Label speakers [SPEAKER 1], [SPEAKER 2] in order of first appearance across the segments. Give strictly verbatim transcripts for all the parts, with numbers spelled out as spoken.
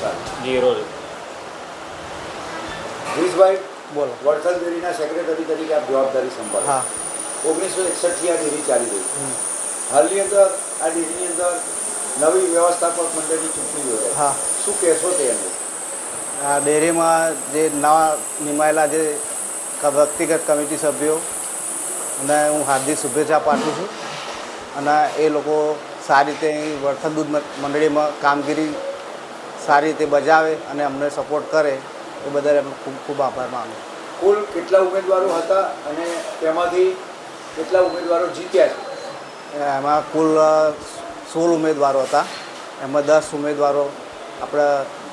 [SPEAKER 1] Zero
[SPEAKER 2] ગિરીશભાઈ
[SPEAKER 3] બોલો.
[SPEAKER 2] વડથલ ડેરીના secretary તરીકે આપ જવાબદારી સંભાળો.
[SPEAKER 3] હા.
[SPEAKER 2] ઓગણીસો એકસઠથી આ ડેરી ચાલી રહી છે. હાલની અંદર આ ડેરીની અંદર નવી વ્યવસ્થાપક મંડળની ચૂંટણી યોજાય.
[SPEAKER 3] હા.
[SPEAKER 2] શું કહેશો તે અંગે?
[SPEAKER 3] આ ડેરીમાં જે નવા નિમાયેલા જે ક- વ્યક્તિગત કમિટી સભ્યો અને હું હાર્દિક શુભેચ્છા પાઠવું છું અને એ લોકો સારી રીતે અહીં વડથલ દૂધ મ- મંડળીમાં કામગીરી સારી રીતે બજાવે અને અમને સપોર્ટ કરે એ બદલ એમનો ખૂબ ખૂબ આભાર માનું.
[SPEAKER 2] કુલ કેટલા ઉમેદવારો હતા અને તેમાંથી કેટલા ઉમેદવારો જીત્યા છે?
[SPEAKER 3] એમાં કુલ અ, સોળ ઉમેદવારો હતા. એમાં દસ ઉમેદવારો આપણે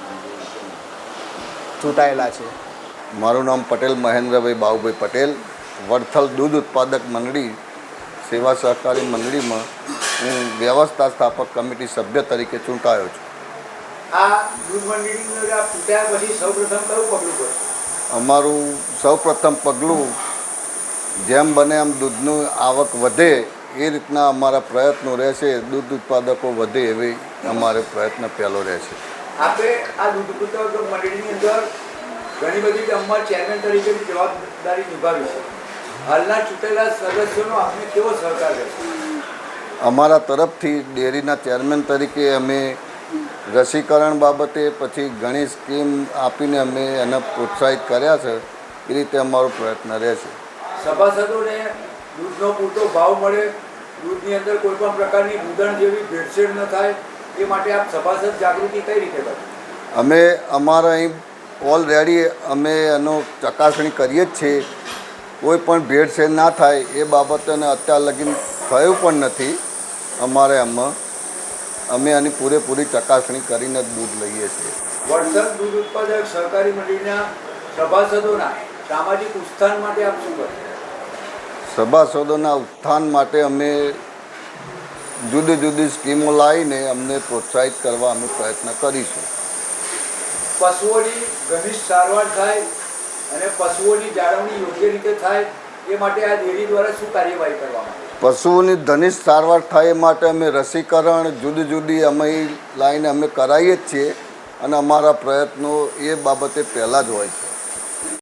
[SPEAKER 3] ચૂંટાયેલા છે.
[SPEAKER 4] મારું નામ પટેલ મહેન્દ્રભાઈ બાબુભાઈ પટેલ, વડથલ દૂધ ઉત્પાદક મંડળી સેવા સહકારી મંડળીમાં હું વ્યવસ્થા સ્થાપક કમિટી સભ્ય તરીકે ચૂંટાયો છું.
[SPEAKER 2] આ દૂધ મંડળીની અંદર આપ ચૂંટ્યા પછી સૌપ્રથમ કયું પગલું ભર્યું?
[SPEAKER 4] અમારું સૌપ્રથમ પગલું જેમ બને એમ દૂધનું આવક વધે એ રીતના અમારા પ્રયત્નો રહેશે. દૂધ ઉત્પાદકો વધે એવી અમારે પ્રયત્ન પહેલો રહેશે.
[SPEAKER 2] આપે આ દૂધ ઉત્પાદક મંડળીની અંદર ઘણી બધી ગામમાં ચેરમેન તરીકેની જવાબદારી નિભાવી છે. હાલના ચૂંટેલા સદસ્યોનો આપને કેવો સહકાર રહેશે?
[SPEAKER 4] અમારા તરફથી ડેરીના ચેરમેન તરીકે અમે રસીકરણ બાબતે પછી ઘણી સ્કીમ આપીને અમે એને પ્રોત્સાહિત કર્યા છે. એ રીતે અમારો પ્રયત્ન રહેશે.
[SPEAKER 2] સભાસદોને દૂધનો પૂરતો ભાવ મળે, દૂધની અંદર કોઈ પણ પ્રકારની દૂધણ જેવી ભેળસેળ ન થાય એ માટે આપ સભાસદ જાગૃતિ કઈ રીતે કરો?
[SPEAKER 4] અમે અમારા અહીં ઓલરેડી અમે એનો ચકાસણી કરીએ જ છીએ. કોઈ પણ ભેળસેળ ના થાય એ બાબતને અત્યાર લગી થયું પણ નથી. અમારે આમાં અમે આની પૂરેપૂરી ચકાસણી કરીને જ દૂધ લઈએ છીએ.
[SPEAKER 2] વડથલ દૂધ ઉત્પાદક સહકારી મંડળીના સભાસદોના સામાજિક ઉત્થાન માટે આપ શું કરો?
[SPEAKER 4] સભાસદોના ઉત્થાન માટે અમે જુદી જુદી સ્કીમો લાવીને અમને પ્રોત્સાહિત કરવા અમે પ્રયત્ન કરીશું.
[SPEAKER 2] પશુઓની ઘનિષ્ઠ સારવાર થાય અને પશુઓની જાળવણી યોગ્ય રીતે થાય એ માટે આ ડેરી દ્વારા શું કાર્યવાહી કરવામાં આવે?
[SPEAKER 4] પશુઓની ઘનિષ્ઠ સારવાર થાય એ માટે અમે રસીકરણ જુદી જુદી અમે લાઈને અમે કરાવીએ જ છીએ અને અમારા પ્રયત્નો એ બાબતે પહેલાં જ હોય છે.